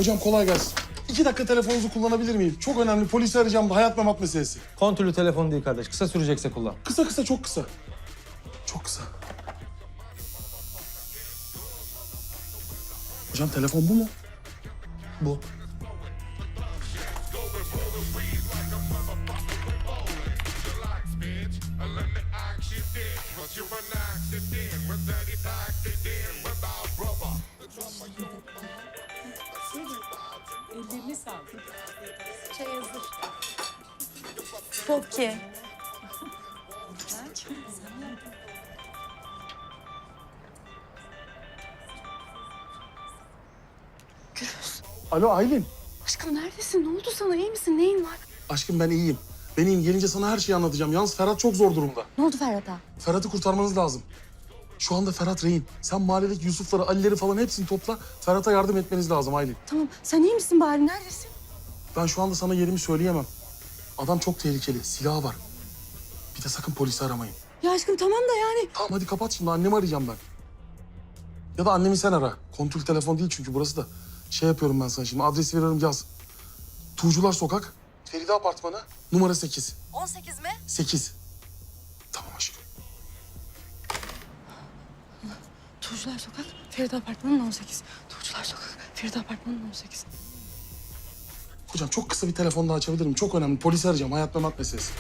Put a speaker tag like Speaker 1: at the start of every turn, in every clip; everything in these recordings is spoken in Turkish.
Speaker 1: Hocam kolay gelsin. 2 dakika telefonunuzu kullanabilir miyim? Çok önemli. Polisi arayacağım da hayat memat meselesi.
Speaker 2: Kontürlü telefon değil kardeş. Kısa sürecekse kullan.
Speaker 1: Kısa kısa, çok kısa. Çok kısa. Hocam telefon bu mu?
Speaker 2: Bu.
Speaker 3: Ellerini sağlık. Çay hazır.
Speaker 4: Poki.
Speaker 1: Alo Aylin.
Speaker 4: Aşkım neredesin? Ne oldu sana? İyi misin? Neyin var?
Speaker 1: Aşkım ben iyiyim. Ben iyiyim. Gelince sana her şeyi anlatacağım. Yalnız Ferhat çok zor durumda.
Speaker 4: Ne oldu Ferhat'a?
Speaker 1: Ferhat'ı kurtarmanız lazım. Şu anda Ferhat rehin. Sen mahalledeki Yusuf'ları, Ali'leri falan hepsini topla. Ferhat'a yardım etmeniz lazım Aylin.
Speaker 4: Tamam. Sen iyi misin bari? Neredesin?
Speaker 1: Ben şu anda sana yerimi söyleyemem. Adam çok tehlikeli. Silahı var. Bir de sakın polisi aramayın.
Speaker 4: Ya aşkım tamam da yani.
Speaker 1: Tamam hadi kapat şimdi. Annemi arayacağım ben. Ya da annemi sen ara. Kontrol telefon değil çünkü burası da. Şey yapıyorum ben sana şimdi. Adresi veriyorum yaz. Tuğcular Sokak. Feride Apartmanı. Numara 8.
Speaker 4: 18 mi?
Speaker 1: 8. Tamam aşkım.
Speaker 4: Tuğcular Sokak, Feride Apartmanı'nın 18. Tuğcular Sokak, Feride Apartmanı'nın 18.
Speaker 1: Hocam çok kısa bir telefon daha açabilirim. Çok önemli. Polisi arayacağım. Hayat memat meselesi.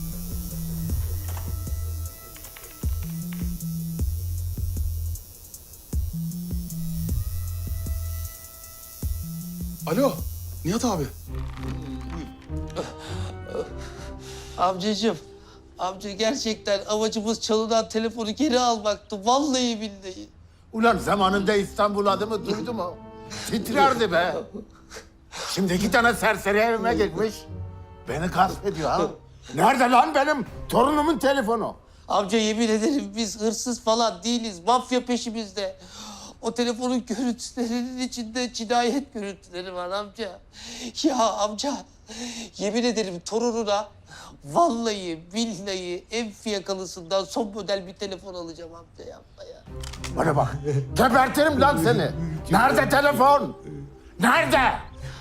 Speaker 1: Alo. Nihat abi.
Speaker 5: Amcacığım, amca gerçekten amacımız çalınan telefonu geri almaktı. Vallahi billahi.
Speaker 6: Ulan zamanında İstanbul adımı duydu mu? Titrerdi be. Şimdi 2 tane serseri evime gelmiş. Beni gasp ediyor ha. Nerede lan benim torunumun telefonu?
Speaker 5: Amca yemin ederim biz hırsız falan değiliz. Mafya peşimizde. O telefonun görüntülerinin içinde cinayet görüntüleri var amca. Ya amca, yemin ederim torununa vallahi billahi en fiyakalısından son model bir telefon alacağım amca, yapma ya.
Speaker 6: Bana bak. Gebertirim lan seni. Nerede telefon? Nerede?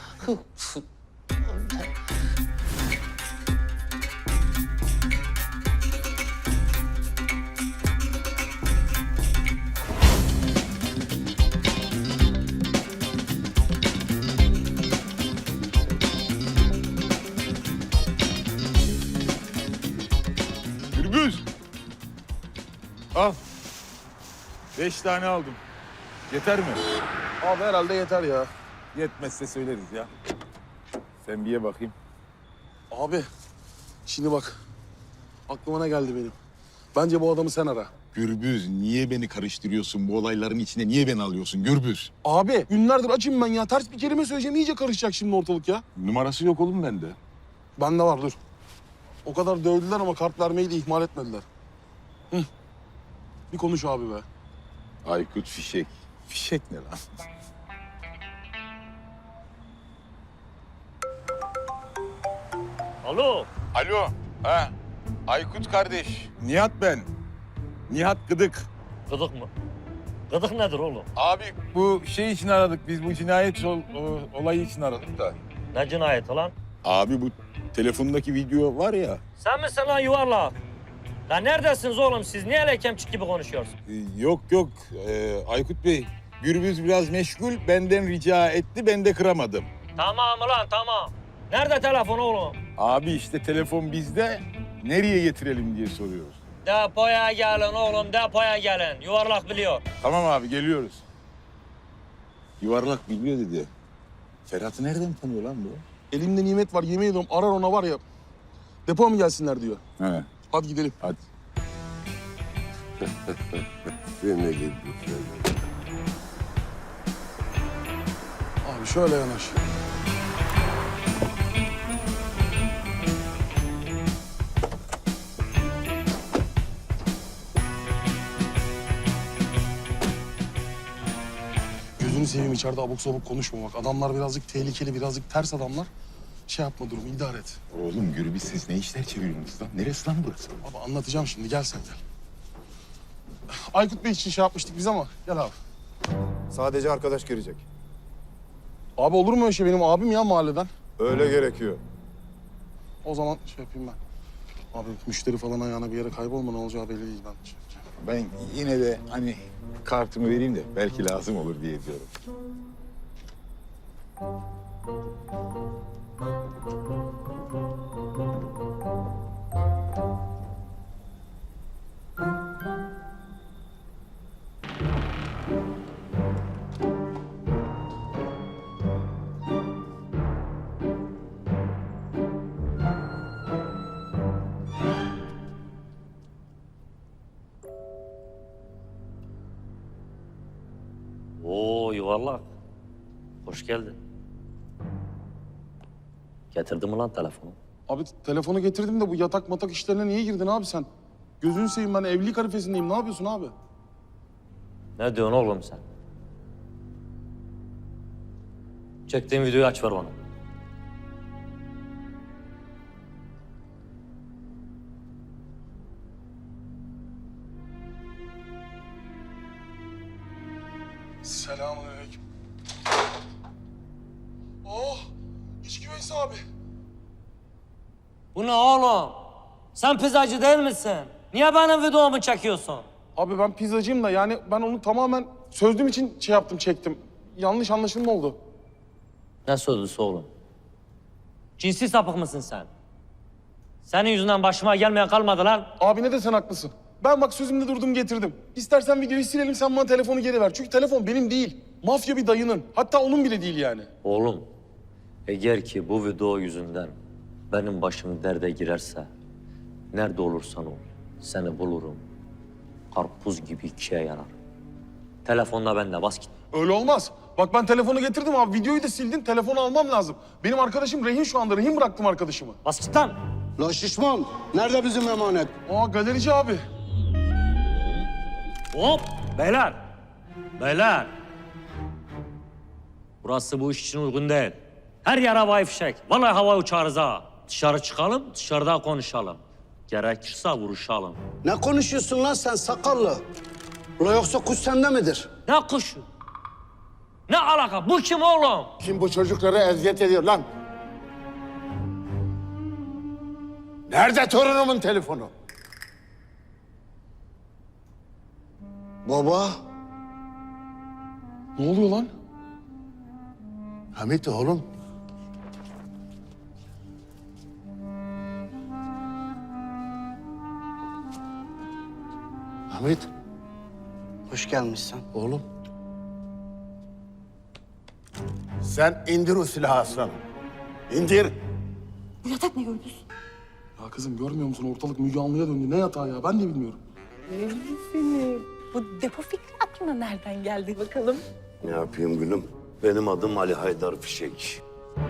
Speaker 7: Gürbüz. Al. 5 tane aldım. Yeter mi?
Speaker 1: Abi herhalde yeter ya.
Speaker 7: Yetmezse söyleriz ya. Sen bir ye bakayım.
Speaker 1: Abi. Şimdi bak. Aklıma ne geldi benim. Bence bu adamı sen ara.
Speaker 7: Gürbüz, niye beni karıştırıyorsun bu olayların içine? Niye beni alıyorsun Gürbüz?
Speaker 1: Abi günlerdir açım ben ya. Ters bir kelime söyleyeceğim. İyice karışacak şimdi ortalık ya.
Speaker 7: Numarası yok oğlum bende.
Speaker 1: Bende var dur. O kadar dövdüler ama kart vermeyi de ihmal etmediler. Hı. Bir konuş abi be.
Speaker 7: Aykut Fişek. Fişek ne lan?
Speaker 8: Alo.
Speaker 7: Alo. Ha. Aykut kardeş. Nihat ben. Nihat Gıdık.
Speaker 8: Gıdık mı? Gıdık nedir oğlum?
Speaker 7: Abi bu şey için aradık. Biz bu cinayet olayı için aradık da.
Speaker 8: Ne cinayeti lan?
Speaker 7: Abi bu telefondaki video var ya.
Speaker 8: Sen misin lan yuvarlak? Lan neredesiniz oğlum siz? Niye lekemçik gibi konuşuyorsun?
Speaker 7: Yok yok Aykut Bey. Gürbüz biraz meşgul. Benden rica etti. Ben de kıramadım.
Speaker 8: Tamam ulan tamam. Nerede telefon oğlum?
Speaker 7: Abi işte telefon bizde. Nereye getirelim diye soruyoruz.
Speaker 8: Depoya gelin oğlum depoya gelin. Yuvarlak biliyor.
Speaker 7: Tamam abi geliyoruz. Yuvarlak biliyor dedi. Ferhat'ı nereden tanıyor lan bu?
Speaker 1: Elimde nimet var yemin ediyorum arar ona var ya. Depoya mı gelsinler diyor.
Speaker 7: He
Speaker 1: Hadi gidelim.
Speaker 7: hadi.
Speaker 6: Seni gidi.
Speaker 1: Abi şöyle yanaş. Gözünü seveyim içeride abuk sabuk konuşma bak. Adamlar birazcık tehlikeli, birazcık ters adamlar. Şey yapma durumu, idare et.
Speaker 7: Oğlum Gürbüz siz ne işler çeviriyorsunuz lan? Neresi lan burası?
Speaker 1: Baba anlatacağım şimdi, gel sen gel. Aykut Bey için şey yapmıştık biz ama gel abi.
Speaker 9: Sadece arkadaş girecek.
Speaker 1: Abi olur mu öyle şey? Benim abim ya mahalleden.
Speaker 7: Öyle gerekiyor.
Speaker 1: O zaman şey yapayım ben. Abi müşteri falan ayağına bir yere kaybolma, ne olacağı belli değil ben. Şey yapacağım.
Speaker 7: Ben yine de hani kartımı vereyim de belki lazım olur diye diyorum.
Speaker 8: Oo yuvarlak. Hoş geldin. Getirdin mi lan telefonu?
Speaker 1: Abi telefonu getirdim de bu yatak matak işlerine niye girdin abi sen? Gözünü seveyim, ben evlilik arifesindeyim. Ne yapıyorsun abi?
Speaker 8: Ne diyorsun oğlum sen? Çektiğin videoyu aç ver bana.
Speaker 1: Selamünaleyküm. Oh! İç güveysi abi.
Speaker 8: Bu ne oğlum? Sen pizzacı değil misin? Niye benim videomu çekiyorsun?
Speaker 1: Abi ben pizzacıyım da yani ben onu tamamen sözlüm için şey yaptım, çektim. Yanlış anlaşılma oldu.
Speaker 8: Ne sözlüsü oğlum? Cinsi sapık mısın sen? Senin yüzünden başıma gelmeyen kalmadı lan.
Speaker 1: Abi ne de sen haklısın. Ben bak sözümde durdum, getirdim. İstersen videoyu silelim, sen bana telefonu geri ver. Çünkü telefon benim değil. Mafya bir dayının. Hatta onun bile değil yani.
Speaker 8: Oğlum, eğer ki bu video yüzünden benim başım derde girerse, nerede olursan ol, seni bulurum. Karpuz gibi ikiye yarar. Telefonla bende, bas git.
Speaker 1: Öyle olmaz. Bak ben telefonu getirdim abi. Videoyu da sildin. Telefonu almam lazım. Benim arkadaşım rehin şu anda. Rehin bıraktım arkadaşımı.
Speaker 8: Bas git lan.
Speaker 9: La şişman, nerede bizim emanet?
Speaker 1: Aa galerici abi.
Speaker 8: Hop, beyler. Beyler. Burası bu iş için uygun değil. Her yer havai fişek. Vallahi hava uçarız ha. Dışarı çıkalım, dışarıda konuşalım. Gerekirse vuruşalım.
Speaker 9: Ne konuşuyorsun lan sen sakallı? Ula yoksa kuş sende midir?
Speaker 8: Ne kuşu? Ne alaka? Bu kim oğlum?
Speaker 6: Kim bu çocuklara eziyet ediyor lan? Nerede torunumun telefonu?
Speaker 9: Baba,
Speaker 1: Ne oluyor lan?
Speaker 6: Hamit oğlum. Hamit
Speaker 9: hoş gelmişsin.
Speaker 6: oğlum. Sen indir o silahı aslanım. İndir.
Speaker 4: Bu yatak ne Gürbüz?
Speaker 1: Ya kızım görmüyor musun? Ortalık Müge Anlı'ya döndü. Ne yatağı ya? Ben de bilmiyorum.
Speaker 3: Seni. Bu depo fikri aklına nereden geldi bakalım?
Speaker 10: Ne yapayım gülüm? Benim adım Ali Haydar Fişek.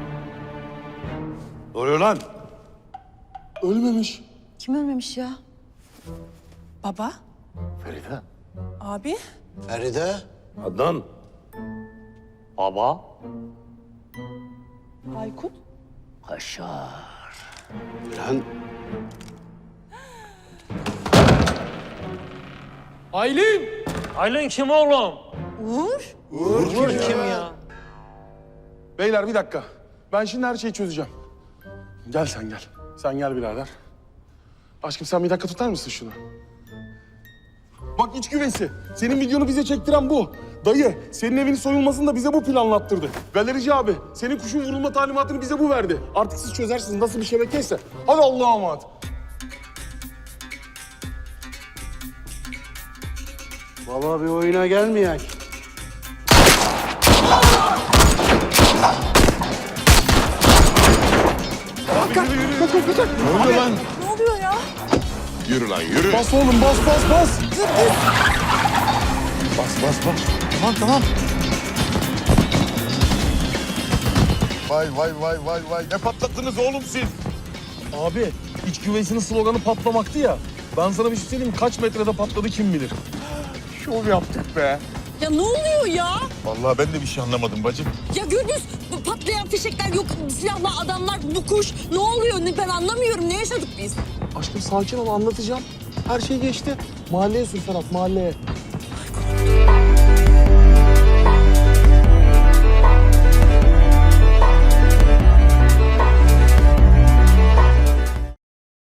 Speaker 6: Ne oluyor lan?
Speaker 1: Ölmemiş.
Speaker 4: Kim ölmemiş ya?
Speaker 3: Baba,
Speaker 6: Feride.
Speaker 3: abi.
Speaker 9: Feride,
Speaker 10: Adnan.
Speaker 8: Baba.
Speaker 3: Aykut.
Speaker 8: Kaşar.
Speaker 9: lan
Speaker 1: Aylin!
Speaker 8: Aylin kim oğlum?
Speaker 3: Uğur.
Speaker 8: Uğur kim ya?
Speaker 1: Beyler bir dakika. Ben şimdi her şeyi çözeceğim. Gel sen gel. Sen gel birader. Aşkım sen bir dakika tutar mısın şunu? Bak iç güveysi. Senin videonu bize çektiren bu. Dayı, senin evinin soyulmasını da bize bu planlattırdı. Galerici abi, senin kuşun vurulma talimatını bize bu verdi. Artık siz çözersiniz nasıl bir şebekeyse. Hadi Allah'a emanet.
Speaker 9: baba bir oyuna gelmeyek.
Speaker 7: Ne oluyor lan?
Speaker 3: Ne oluyor ya?
Speaker 7: Yürü lan yürü.
Speaker 1: Bas oğlum, bas, bas, bas.
Speaker 7: Tamam. Vay. Ne patlattınız oğlum siz?
Speaker 1: Abi, iç güveysinin sloganı patlamaktı ya. Ben sana bir şey söyleyeyim mi? Kaç metrede patladı kim bilir.
Speaker 7: Şov yaptık be.
Speaker 3: Ya ne oluyor ya?
Speaker 7: Vallahi ben de bir şey anlamadım bacım.
Speaker 3: Ya Gürbüz, bu patlayan fişekler yok, silahlı adamlar, bu kuş. Ne oluyor? Ben anlamıyorum. Ne yaşadık biz?
Speaker 1: Aşkım sakin ol, anlatacağım. Her şey geçti. Mahalleye sür Ferhat, mahalleye.